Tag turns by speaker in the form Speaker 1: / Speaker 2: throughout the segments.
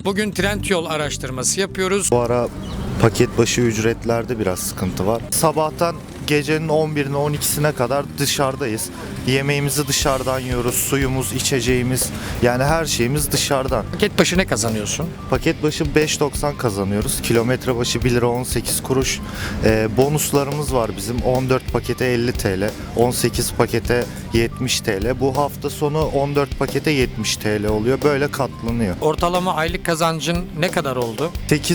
Speaker 1: Bugün Trendyol araştırması yapıyoruz.
Speaker 2: Bu ara paket başı ücretlerde biraz sıkıntı var. Sabahtan gecenin 11'ine 12'sine kadar dışarıdayız. Yemeğimizi dışarıdan yiyoruz, suyumuz, içeceğimiz, yani her şeyimiz dışarıdan.
Speaker 1: Paket başı ne kazanıyorsun?
Speaker 2: Paket başı 5.90 kazanıyoruz. Kilometre başı 1 lira 18 kuruş. Bonuslarımız var bizim. 14 pakete 50 TL, 18 pakete 70 TL. Bu hafta sonu 14 pakete 70 TL oluyor. Böyle katlanıyor.
Speaker 1: Ortalama aylık kazancın ne kadar oldu?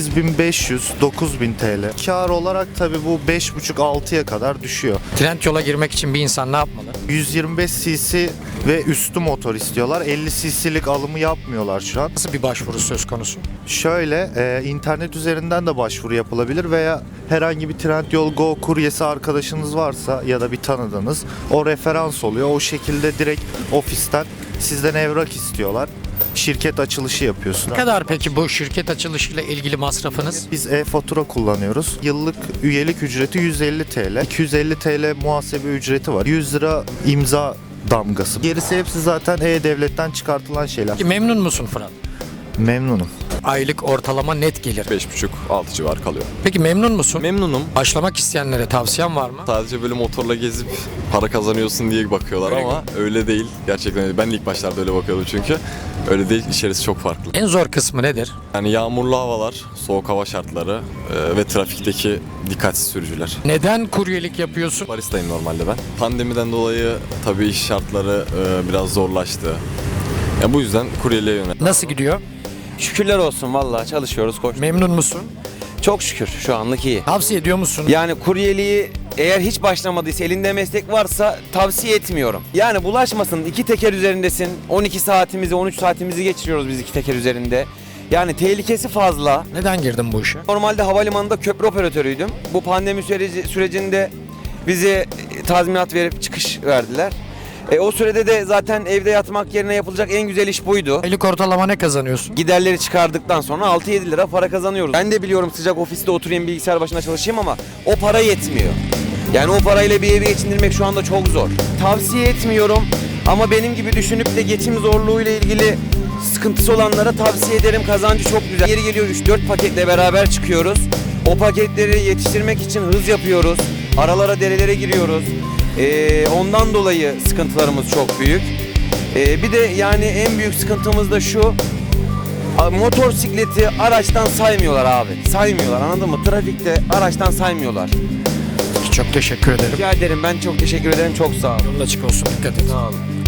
Speaker 2: 8500-9000 TL. Kar olarak tabii bu 5.5-6'ya kadar düşüyor.
Speaker 1: Trendyol'a girmek için bir insan ne yapmalı?
Speaker 2: 125 cc ve üstü motor istiyorlar. 50 cc'lik alımı yapmıyorlar şu an.
Speaker 1: Nasıl bir başvuru söz konusu?
Speaker 2: Şöyle internet üzerinden de başvuru yapılabilir veya herhangi bir Trendyol Go kuryesi arkadaşınız varsa ya da bir tanıdığınız, o referans oluyor. O şekilde direkt ofisten sizden evrak istiyorlar. Şirket açılışı yapıyorsun.
Speaker 1: Ne kadar peki bu şirket açılışıyla ilgili masrafınız?
Speaker 2: Biz e-fatura kullanıyoruz. Yıllık üyelik ücreti 150 TL. 250 TL muhasebe ücreti var. 100 lira imza damgası. Gerisi hepsi zaten e-devletten çıkartılan şeyler.
Speaker 1: Peki memnun musun Fırat?
Speaker 2: Memnunum.
Speaker 1: Aylık ortalama net gelir.
Speaker 3: 5,5-6 civar kalıyor.
Speaker 1: Peki memnun musun?
Speaker 3: Memnunum.
Speaker 1: Başlamak isteyenlere tavsiyen var mı?
Speaker 3: Sadece böyle motorla gezip para kazanıyorsun diye bakıyorlar
Speaker 1: Öyle
Speaker 3: ama öyle değil. Gerçekten öyle. Ben de ilk başlarda öyle bakıyordum çünkü. Öyle değil. İçerisi çok farklı.
Speaker 1: En zor kısmı nedir?
Speaker 3: Yani yağmurlu havalar, soğuk hava şartları ve trafikteki dikkatsiz sürücüler.
Speaker 1: Neden kuryelik yapıyorsun?
Speaker 3: Baristayım normalde ben. Pandemiden dolayı tabii iş şartları biraz zorlaştı. Yani bu yüzden kuryeliğe yöneldim.
Speaker 1: Nasıl gidiyor?
Speaker 4: Şükürler olsun vallahi çalışıyoruz koş.
Speaker 1: Memnun musun?
Speaker 4: Çok şükür şu anlık iyi.
Speaker 1: Tavsiye ediyor musun?
Speaker 4: Yani kuryeliği eğer hiç başlamadıysa elinde meslek varsa tavsiye etmiyorum. Yani bulaşmasın, iki teker üzerindesin. 12 saatimizi 13 saatimizi geçiriyoruz biz iki teker üzerinde. Yani tehlikesi fazla.
Speaker 1: Neden girdin bu işe?
Speaker 4: Normalde havalimanında köprü operatörüydüm. Bu pandemi sürecinde bize tazminat verip çıkış verdiler. O sürede de zaten evde yatmak yerine yapılacak en güzel iş buydu.
Speaker 1: Aylık ortalama ne kazanıyorsun?
Speaker 4: Giderleri çıkardıktan sonra 6-7 lira para kazanıyoruz. Ben de biliyorum sıcak ofiste oturayım bilgisayar başına çalışayım ama o para yetmiyor. Yani o parayla bir evi geçindirmek şu anda çok zor. Tavsiye etmiyorum ama benim gibi düşünüp de geçim zorluğuyla ilgili sıkıntısı olanlara tavsiye ederim. Kazancı çok güzel. Yeri geliyor 3-4 paketle beraber çıkıyoruz. O paketleri yetiştirmek için hız yapıyoruz. Aralara, derelere giriyoruz. Ondan dolayı sıkıntılarımız çok büyük. Bir de yani en büyük sıkıntımız da şu. Motosikleti araçtan saymıyorlar abi. Saymıyorlar, anladın mı? Trafikte araçtan saymıyorlar.
Speaker 1: Çok teşekkür ederim.
Speaker 4: Rica ederim, ben çok teşekkür ederim. Çok sağ olun.
Speaker 1: Yolun açık olsun. Dikkat et.
Speaker 4: Sağ olun.